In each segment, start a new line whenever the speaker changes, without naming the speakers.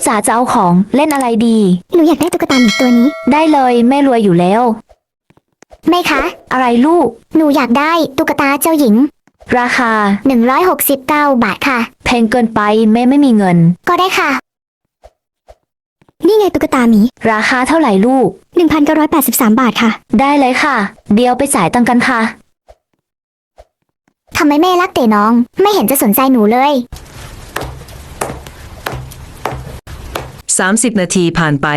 จ๋าจะเอาของเล่นอะไรดี
หนูอยากได้ตุ๊กตาหมีตัวนี้
ได้เลยแม่รวยอยู่แล้ว
แม่คะ
อะไรลูก
หนูอยากได้ตุ๊กตาเจ้าหญิง
ราคา
169 บาทค่ะ
แพงเกินไปแม่ไม่มีเงิน
ก็ได้ค่ะนี่ไงตุ๊กตาหมี
ราคาเท่าไหร่ลูก
1,983 บาทค่ะ
ได้เลยค่ะเดี๋ยวไปจ่ายตังค์กันค่ะ
ทำไมแม่รักแต่น้องไม่เห็นจะสนใจหนูเลย
30 นาทีผ่านไป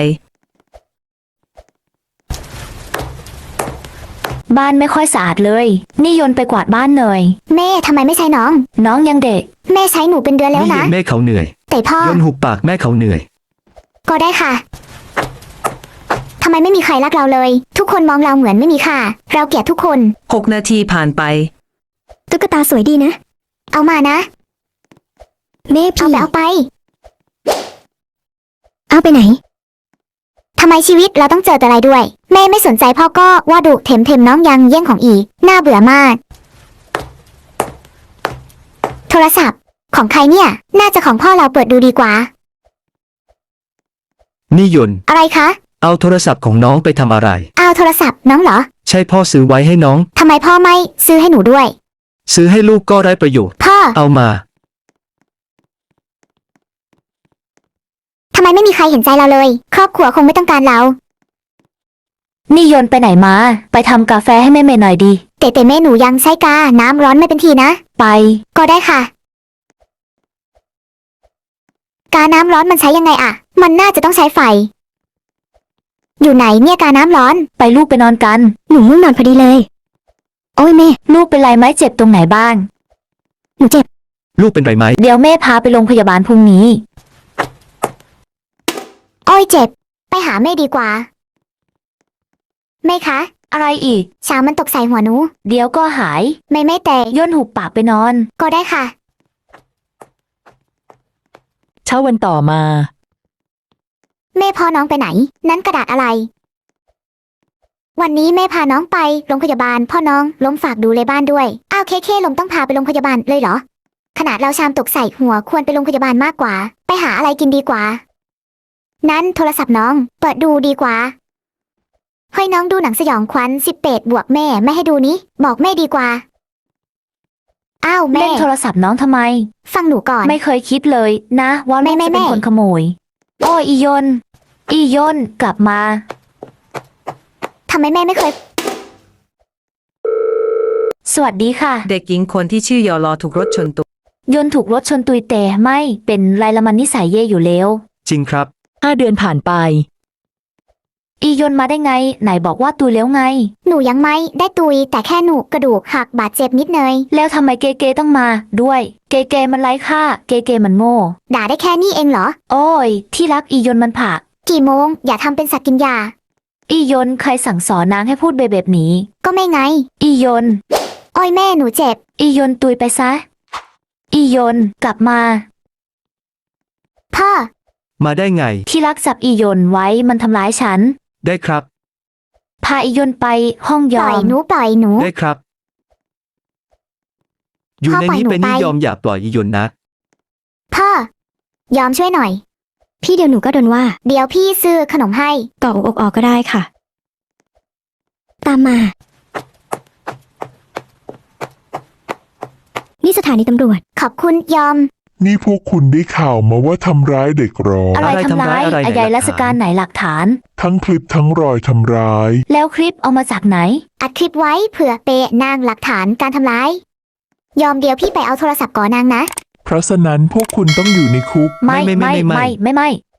บ้านไม่ค่อยสะอาดเลยนี่ยนต์ไปกวาดบ้านหน่อย
แม่ทำไมไม่ใช้น้อง
น้องยังเด็ก
แม่ใช้หนูเป็นเดือนแล้วนะ
แม่เขาเหนื่อย
แต่พ่อย
นหุบปากแม่เขาเหนื่อย
ก็ได้ค่ะทำไมไม่มีใครรักเราเลยทุกคนมองเราเหมือนไม่มีค่าเราเกลียดทุกคน
6 นาทีผ่านไป
ตุ๊กตาสวยดีนะเอามานะแม่พี่เอาไปไหนทำไมชีวิตเราต้องเจอแต่อะไรด้วยแม่ไม่สนใจพ่อก็ว่าดุเถมน้องยังแย่งของอีน่าเบื่อมากโทรศัพท์ของใครเนี่ยน่าจะของพ่อเราเปิดดูดีกว่า
นี่ยน
อะไรคะ
เอาโทรศัพท์ของน้องไปทำอะไร
เอาโทรศัพท์น้องเหรอ
ใช่พ่อซื้อไว้ให้น้อง
ทำไมพ่อไม่ซื้อให้หนูด้วย
ซื้อให้ลูกก็ได้ประโยชน์
พ่อ
เอามา
ทำไมไม่มีใครเห็นใจเราเลยครอบครัวคงไม่ต้องการเรา
นี่ยนต์ไปไหนมาไปทำกาแฟให้แม่เมย์หน่อยดี
แต่แม่หนูยังใช้กาน้ำร้อนไม่เป็นทีนะ
ไป
ก็ได้ค่ะกาน้ำร้อนมันใช้ยังไงอะมันน่าจะต้องใช้ไฟอยู่ไหนเนี่ยกาน้ำร้อน
ไปลูกไปนอนกัน
หนูง่วงนอนพอดีเลยโอ้ยแม่
ลูกเป็นไรไหมเจ็บตรงไหนบ้าง
หนูเจ็บ
ลูกเป็นไรไหม
เดี๋ยวแม่พาไปโรงพยาบาลพรุ่งนี้
โอ้ยเจ็บไปหาแม่ดีกว่าแม่คะ
อะไรอีก
ช้างมันตกใส่หัวหนู
เดี๋ยวก็หาย
ไม่แต่
ย่นหุบปากไปนอน
ก็ได้ค่ะ
เช้าวันต่อมา
แม่พาน้องไปไหนนั้นกระดาษอะไรวันนี้แม่พาน้องไปโรงพยาบาลพ่อน้องล้มฝากดูแลบ้านด้วยอ้าวเคลมต้องพาไปโรงพยาบาลเลยเหรอขนาดเราชามตกใส่หัวควรไปโรงพยาบาลมากกว่าไปหาอะไรกินดีกว่านั้นโทรศัพท์น้องเปิดดูดีกว่าให้น้องดูหนังสยองขวัญ18 บวกแม่ไม่ให้ดูนี้บอกแม่ดีกว่าอ้าวแม่
เล่นโทรศัพท์น้องทำไม
ฟังหนูก่อน
ไม่เคยคิดเลยนะว่าแม่จะเป็นคนขโมยโอ้อียนกลับมา
ทำไมแม่ไม่เคย
สวัสดีค่ะ
เด็กหญิงคนที่ชื่อยอลอถูกรถชนตัวย
นถูกรถชนตุยแต่ไม่เป็นไรละมันนิสัยเย่อยู่แล้ว
จริงครับ
5 เดือนผ่านไป
อียนมาได้ไงไหนบอกว่าตุยแล้วไง
หนูยังไม่ได้ตุยแต่แค่หนูกระดูกหักบาดเจ็บนิดเนย
แล้วทำไมเกต้องมาด้วยเกมันไร้ค่าเกมันโง่
ด่าได้แค่นี้เองเหรอ
โอ้ยที่รักอียนมันผัก
กี่โมงอย่าทำเป็นสัตว์กินยา
อียนใครสั่งสอนนางให้พูดแบบนี้
ก็ไม่ไง
อียน
โอ้ยแม่หนูเจ็บ
อียนตุยไปซะอียนกลับมา
พ่อ
มาได้ไง
ที่รักจับอียนไว้มันทำร้ายฉัน
ได้ครับ
พาอียนไปห้องยอม
ปล่อยหนู
ได้ครับอยู่ในนี้เป็นนิยอมอย่าปล่อยอียนนะ
พ่อยอมช่วยหน่อยพี่เดี๋ยวหนูก็โดนว่าเดี๋ยวพี่ซื้อขนมให้กรอกอกก็ได้ค่ะตามมานี่สถานีตำรวจขอบคุณยอม
นี่พวกคุณได้ข่าวมาว่าทำร้ายเด็กหรอ
อะไรทำร้ายอายราชการไหนหลักฐาน
ทั้งคลิปทั้งรอยทำร้าย
แล้วคลิปเอามาจากไหน
อัดคลิปไว้เผื่อเปะนางหลักฐานการทำร้ายยอมเดี๋ยวพี่ไปเอาโทรศัพท์ก่อนนางนะ
เพราะฉะนั้นพวกคุณต้องอยู่ในคุก
ไม่